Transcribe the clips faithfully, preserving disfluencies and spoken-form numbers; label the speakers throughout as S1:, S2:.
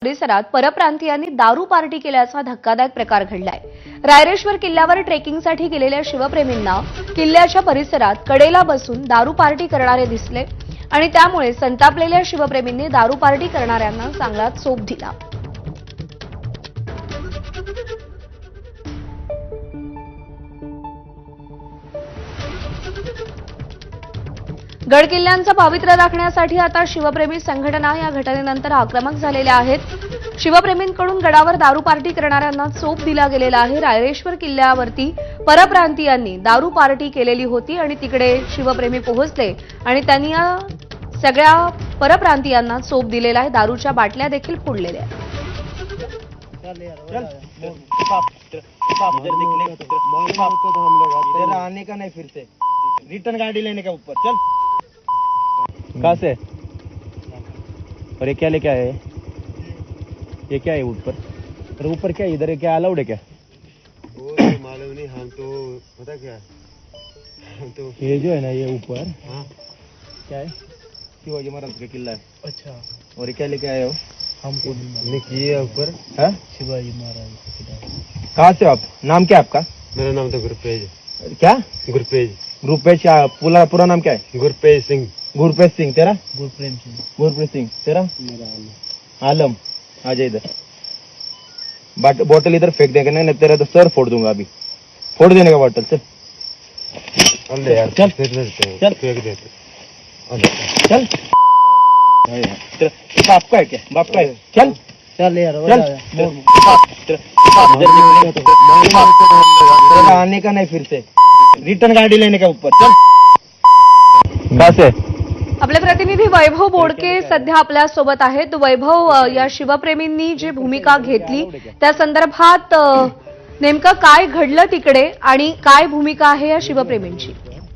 S1: परिसरात परप्रांतीयांनी दारू पार्टी केल्याचा धक्कादायक प्रकार घडलाय। रायरेश्वर किल्ल्यावर ट्रेकिंगसाठी गेलेल्या शिवप्रेमींना किल्ल्याच्या परिसरात कडेला बसून दारू पार्टी करणारे दिसले आणि त्यामुळे संतापलेल्या शिवप्रेमींनी दारू पार्टी करणाऱ्यांना चांगला चोप दिला। गडकिल्ल्यांचं पावित्र्य राखण्यासाठी आता शिवप्रेमी संघटना या घटनेनंतर आक्रमक झालेल्या आहेत। शिवप्रेमींकडून गडावर दारू पार्टी करणाऱ्यांना चोप दिला गेलेला आहे। रायरेश्वर किल्ल्यावरती परप्रांतीयांनी दारू पार्टी केलेली होती आणि तिकडे शिवप्रेमी पोहोचले आणि त्यांनी या सगळ्या परप्रांतीयांना चोप दिलेला आहे। दारूच्या बाटल्या देखील फोडलेल्या आहेत।
S2: आने का नहीं फिर से रिटर्न गाड़ी लेने का ऊपर चल।
S3: कहाँ से? और ये क्या लेके आए हैं? ये क्या है ऊपर? अरे ऊपर क्या है? इधर क्या अलाउड है क्या?
S4: वो तो मालूम नहीं, हम तो पता क्या हम तो
S3: ये जो है ना ये ऊपर
S4: हाँ
S3: क्या है?
S2: शिवाजी महाराज का किला है।
S3: अच्छा,
S2: और ये क्या लेके आए हो?
S3: हमको
S4: हमने किए ऊपर।
S2: है
S3: शिवाजी महाराज।
S2: कहाँ से हो आप? नाम क्या है आपका?
S4: मेरा नाम तो गुरपेज
S2: क्या?
S4: गुरपेज
S2: रुपेश। पूरा पूरा नाम क्या है?
S4: गुरपेज सिंह।
S2: गुरप्रीत सिंह। तेरा?
S3: गुरप्रेम सिंह।
S2: गुरप्रीत सिंह। तेरा?
S3: मेरा
S2: आलम। आ जा इधर। बाट बोतल इधर फेंक देगा नहीं, तेरा तो सर फोड़ दूंगा अभी। फोड़ देने का बोतल। चल
S4: अरे यार
S2: चल।
S4: फेंक देते हैं,
S2: चल।
S4: फेंक देते
S2: चल। तेरा बाप का है क्या? बाप का है? चल
S3: चल यार
S2: चल। तेरा आने का नहीं फिर से रिटर्न गाड़ी लेने का ऊपर चल।
S3: कहाँ से?
S1: आपले प्रतिनिधी वैभव बोडके सध्या आपल्या सोबत आहेत। वैभव, अ, या शिवप्रेमींनी जी भूमिका घेतली त्या संदर्भात अ, नेमकं काय घडलं तिकडे आणि काय भूमिका आहे या शिवप्रेमींची?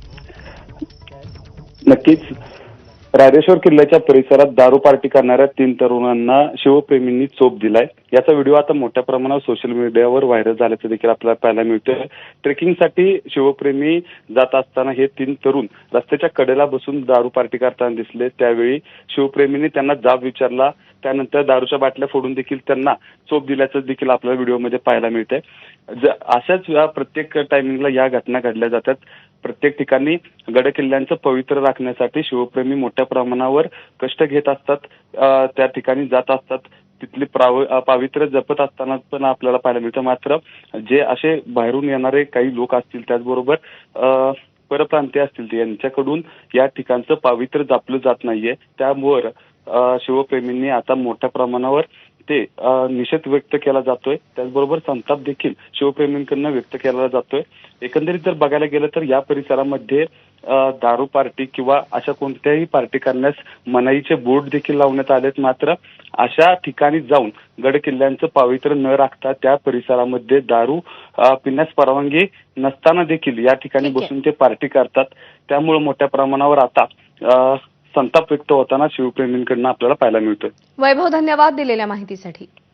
S5: नक्कीच रायरेश्वर किल्ल्याच्या परिसरात दारू पार्टी करणाऱ्या तीन तरुणांना शिवप्रेमींनी चोप दिलाय। याचा व्हिडिओ आता मोठ्या प्रमाणावर सोशल मीडियावर व्हायरल झाल्याचं देखील आपल्याला पाहायला मिळतोय। ट्रेकिंगसाठी शिवप्रेमी जात असताना हे तीन तरुण रस्त्याच्या कडेला बसून दारू पार्टी करताना दिसले। त्यावेळी शिवप्रेमींनी त्यांना जाब विचारला, त्यानंतर दारूच्या बाटल्या फोडून देखील त्यांना चोप दिल्याचं देखील आपल्याला व्हिडिओमध्ये पाहायला मिळतंय। अशाच प्रत्येक टायमिंगला या घटना घडल्या जातात। प्रत्येक ठिकाणी गड किल्ल्यांचं पवित्र राखण्यासाठी शिवप्रेमी मोठ्या प्रमाणावर कष्ट घेत असतात, त्या ठिकाणी जात असतात, तिथली पावित्र्य जपत असताना पण आपल्याला पाहायला मिळतं। मात्र जे असे बाहेरून येणारे काही लोक असतील, त्याचबरोबर परप्रांतीय असतील, यांच्याकडून या ठिकाणचं पावित्र्य जपलं जात नाहीये। त्यामुळे शिवप्रेमींनी आता मोठ्या प्रमाणावर ते निषेध व्यक्त केला जातोय, त्याचबरोबर संताप देखील शिवप्रेमींकडून व्यक्त केला जातोय। एकंदरीत जर बघायला गेलं तर या परिसरामध्ये दारू पार्टी किंवा अशा कोणत्याही पार्टी करण्यास मनाईचे बोर्ड देखील लावण्यात आलेत। मात्र अशा ठिकाणी जाऊन गड किल्ल्यांचं पावित्र्य न राखता त्या परिसरामध्ये दारू पिण्यास परवानगी नसताना देखील या ठिकाणी बसून ते पार्टी करतात। त्यामुळे मोठ्या प्रमाणावर आता संताप व्यक्त होताना शिवप्रेमींकडून आपल्याला पाहायला मिळतोय।
S1: वैभव, धन्यवाद दिलेल्या माहितीसाठी।